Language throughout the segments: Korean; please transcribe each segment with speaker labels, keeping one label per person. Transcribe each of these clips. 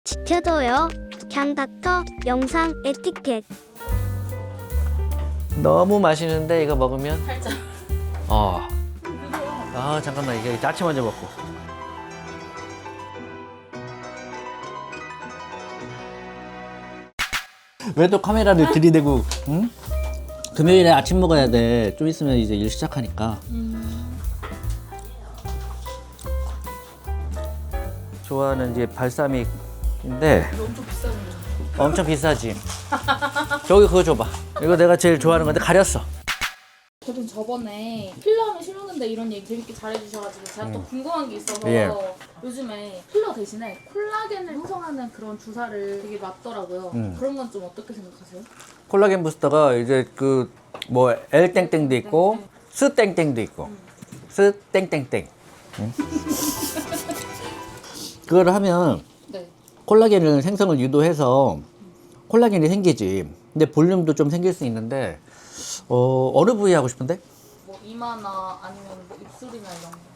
Speaker 1: 지켜줘요. 그냥 닥터 영상 에티켓.
Speaker 2: 너무 맛있는데 이거 먹으면
Speaker 3: 살짝.
Speaker 2: 잠깐만 이게 야채 먼저 먹고. 왜 또 카메라를 들이대고? 응? 금요일에 아침 먹어야 돼. 좀 있으면 이제 일 시작하니까. 좋아하는 이제 발사믹인데
Speaker 3: 엄청 비싼 거.
Speaker 2: 엄청 비싸지. 저기 그거 줘봐. 이거 내가 제일 좋아하는 건데 가렸어.
Speaker 3: 저도 저번에 필러하면 싫었는데 이런 얘기 재밌게 잘해주셔가지고 제가 또 궁금한 게 있어서
Speaker 2: 예.
Speaker 3: 요즘에 필러 대신에 콜라겐을 형성하는 그런 주사를 되게 맞더라고요. 그런 건 좀 어떻게 생각하세요?
Speaker 2: 콜라겐 부스터가 이제 그 뭐 L 땡땡도 있고 스 땡땡도 있고 스 땡땡땡. 응? 그걸 하면
Speaker 3: 네.
Speaker 2: 콜라겐을 생성을 유도해서 콜라겐이 생기지. 근데 볼륨도 좀 생길 수 있는데 어느 부위 하고 싶은데?
Speaker 3: 뭐 이마나 아니면 뭐 입술이나 이런 거.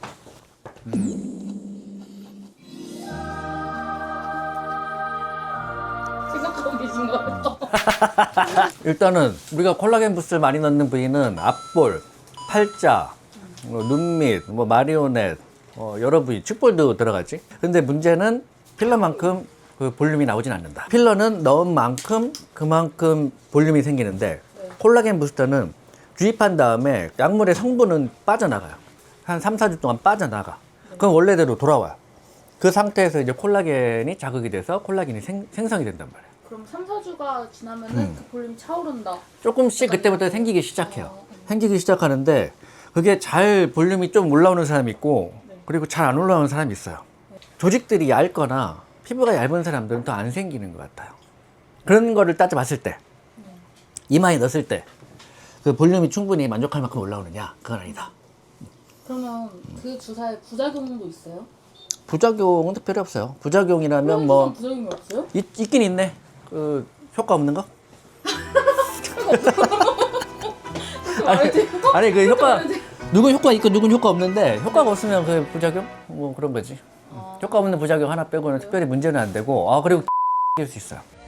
Speaker 3: 생각하고 계신 거예요?
Speaker 2: 일단은 우리가 콜라겐 부스를 많이 넣는 부위는 앞볼, 팔자, 눈밑, 뭐 마리오넷, 여러 부위, 축볼도 들어가지. 근데 문제는 필러만큼 그 볼륨이 나오진 않는다. 필러는 넣은 만큼 그만큼 볼륨이 생기는데 콜라겐 부스터는 주입한 다음에 약물의 성분은 빠져나가요. 한 3, 4주 동안 빠져나가. 그럼 원래대로 돌아와요. 그 상태에서 이제 콜라겐이 자극이 돼서 콜라겐이 생성이 된단 말이에요.
Speaker 3: 그럼 3, 4주가 지나면은 그 볼륨이 차오른다.
Speaker 2: 조금씩 그때부터 생기기 시작해요. 생기기 시작하는데 그게 잘 볼륨이 좀 올라오는 사람이 있고 그리고 잘 안 올라오는 사람이 있어요. 조직들이 얇거나 피부가 얇은 사람들은 더 안 생기는 것 같아요. 그런 거를 따져봤을 때 이마에 넣었을 때 그 볼륨이 충분히 만족할 만큼 올라오느냐? 그건 아니다.
Speaker 3: 그러면 그 주사에 부작용도 있어요?
Speaker 2: 부작용은 특별히 없어요. 부작용이라면 뭐
Speaker 3: 부작용이 없어요?
Speaker 2: 있긴 있네. 그 효과 없는 거? 아니 그 효과 누군 효과 있고 누군 효과 없는데 효과가 없으면 그 부작용 뭐 그런 거지. 효과 없는 부작용 하나 빼고는 특별히 문제는 안 되고 그리고 낄 수 있어요.